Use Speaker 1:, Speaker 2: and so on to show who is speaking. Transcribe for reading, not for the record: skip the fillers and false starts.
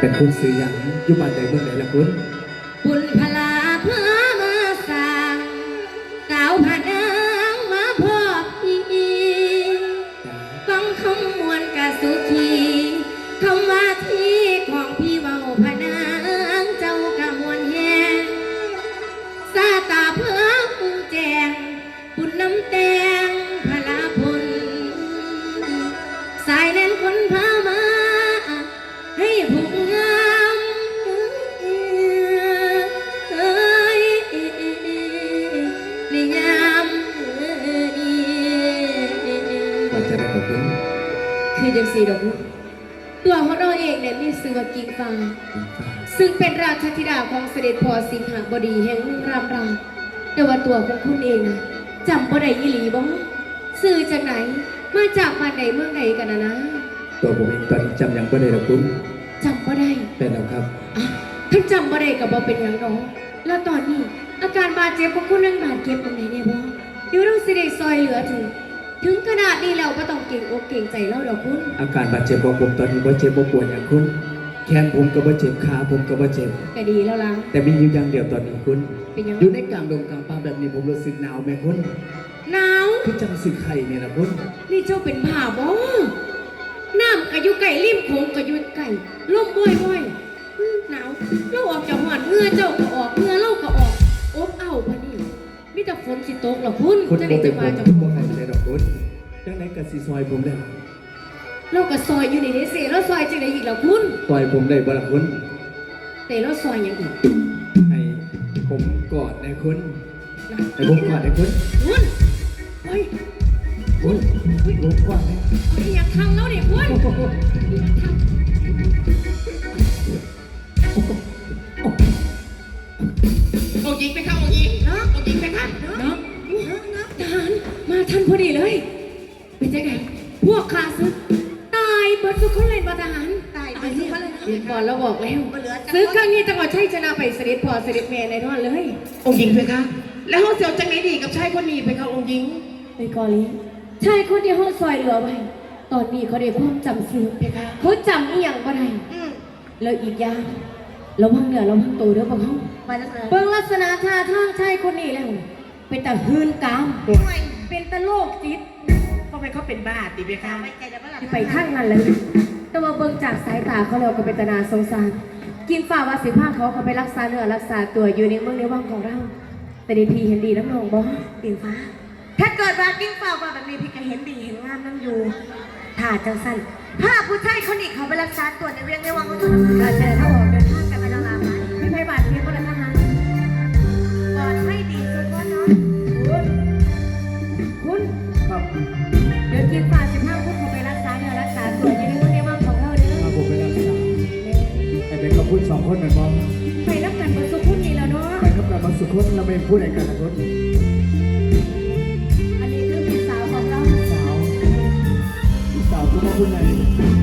Speaker 1: เป็นคุณซื้อหยังอยู่บ้านใดเมืองไหนล่ะคุณ
Speaker 2: บุญพลาพามาสร้างสาวผานังมาพบพี่ฟังคำมวลกะสุขีคำว่าที่ของพี่เว้าผานังเจ้ากะมวลแหงซาตาเพื่อปุงแจงบุญน้ำแตงพลาพลสายแน่นคนพามาให้ผู้งามนิยาม
Speaker 1: ว่าจะได้กับคุณ
Speaker 2: คือจังสีดอกตัวของเราเองเนี่ยมีชื่อว่ากิ่งฟ้าซึ่งเป็นราชธิดาของเสด็จพ่อสิงหบดีแห่งเมืองรามราแต่ว่าตัวของคุณเองนะจำบ่ได้อีหลีบ่สื่อจากไหนมาจากบ้านไหนเมืองไหนกันนะ
Speaker 1: ตัวผมเองตอนนี้จำยังไม่ได้ล่ะคุณ
Speaker 2: จำบ่ได้
Speaker 1: เป็นแล้วครับ
Speaker 2: ท่านจำบ่ได้กับบ่เป็นอย่างน้องแล้วตอนนี้อาการบาดเจ็บของคุณนั่งบาดเจ็บตรงไหนเนี่ยบ่เดี๋ยวเราสิได้ซอยเหลือถึงขนาดนี้แล้วก็ต้องเก่งอกเก่งใจเราดอกคุณ
Speaker 1: อาการบาดเจ็บของผมตอนนี้บ่เจ็บบ่ปวดอย่างคุณแขนผมก็บ่เจ็บขาผมก็บ่เจ็บ
Speaker 2: ก็ดีแล้วล่ะ
Speaker 1: แต่มีอยู่อย่างเดียวตอนนี้คุณ
Speaker 2: เป็นยัง
Speaker 1: อยู่ในกลางดงกลางป่าแบบนี้ผมรู้สึกหนาวแม่คุณ
Speaker 2: หนาว
Speaker 1: คือจังสึกไข่เนี่ยนะคุณ
Speaker 2: นี่เจ้าเป็นผ่าบ่น้ำกะอยู่ไก่ริมโขงกะอยู่ไก่ล่มบ่อยหนาวเราออกจากหอดเงื่อเจ้าก็ออกเงื่อเราก็ออกอบเอ้าพะนี่มีแต่ฝนสิตกหรอคุณ
Speaker 1: จะได้จะมาจากคุณบ่เข้าใจดอกคุณจังไหนกะสิซอยผมแล้ว
Speaker 2: เราก็ซอยอยู่ในนี้สิเราซอยจังไหนอีกล่ะคุณ
Speaker 1: ซอยผมได้บ่ล่ะคุณ
Speaker 2: แต่เราซอยอย่างอีก
Speaker 1: ให้ผมกอดนะคุณให้ผมกอดนะคุณ
Speaker 2: คุณเฮ้ย
Speaker 1: คุณผมกอดนะ
Speaker 2: อยากทำแล้วเนี่ยคุณอยากทำ
Speaker 3: องค์หญิงไปครับองค์หญิงเนาะองค์หญิงไปครับ
Speaker 2: เนาะทหารมาทันพอดีเลยเป็นจังไงพวกข้าศึกตายเบิดทุกคนเลยทหาร
Speaker 3: ตายไปที่เขาเลยนะ
Speaker 2: เรียนบอลแล้วบอกแล้วซื้อครั้งนี้จังหวัดชัยชนะไปเสด็จพ่อเสด็จแม่ในท่อนเลย
Speaker 3: องค์หญิงไปครับแล้วเขาเสียวจังไหนดีกับชายคนนี้ไปครับองค์หญิง
Speaker 2: ไปกอลีชายคนที่ห้องซอยเหลือไว้ตอนนี้เขาได้ความจำเสื่อมไปค่ะเขาจำอีหยังบ่ได้แล้วอีกอย่างเราพังเหนือเราพังตัวเด้อบ่เขาเบิ่งลักษณะท่าทางชายคนนี้แล้วเป็นตาหืนกามเป็นตาโลกจิต
Speaker 3: เขาไปเขาเป็นบ้าติไปครับ
Speaker 2: ไปข้างนั้นเลยแต่ว่าเบิ่งจากสายตาเขาแล้วก็เป็นตานาสงสารกินฝ่าวาสิผ้าเขาไปรักษาเนื้อรักษาตัวอยู่ในเมืองในวังของเราแต่ดีพีเห็นดีน้ำนองบ่ปิ่นฟ้าถ้าเกิดว่ากิ้งฝ่าว่าแบบนี้พี่ก็เห็นดีเห็นงามน้ำอยู่ถ้าจังสั้นถ้าผู้ชายคนนี้เขาไปรักษาตัวในเวียงในวังของเราเจอถ้าออกเดินทางกันไปแล้วลาไปไม่ไปบาดเจ็บก็เลยทหารปลอดไม่ดีสุดว่าน้องคุณ
Speaker 1: ครับ
Speaker 2: เดี๋ยวกินฝ่า15 คุณเขาไปรักษาเนื้อรักษาตัวอยู่ในเมืองในวังของเราเด้อ
Speaker 1: ผมไปรักษาแต่เป็นกับคุณ2 คนเหมือนกัน
Speaker 2: ไปรักกันบนสุขุนนี่แล้วเนาะ
Speaker 1: ไปกับกันบนสุขุนเราไม่พูดอะไรกันนะคุณ
Speaker 2: อันนี้คือพี่สาวของเรา
Speaker 1: สาวคุณมาคุณไหน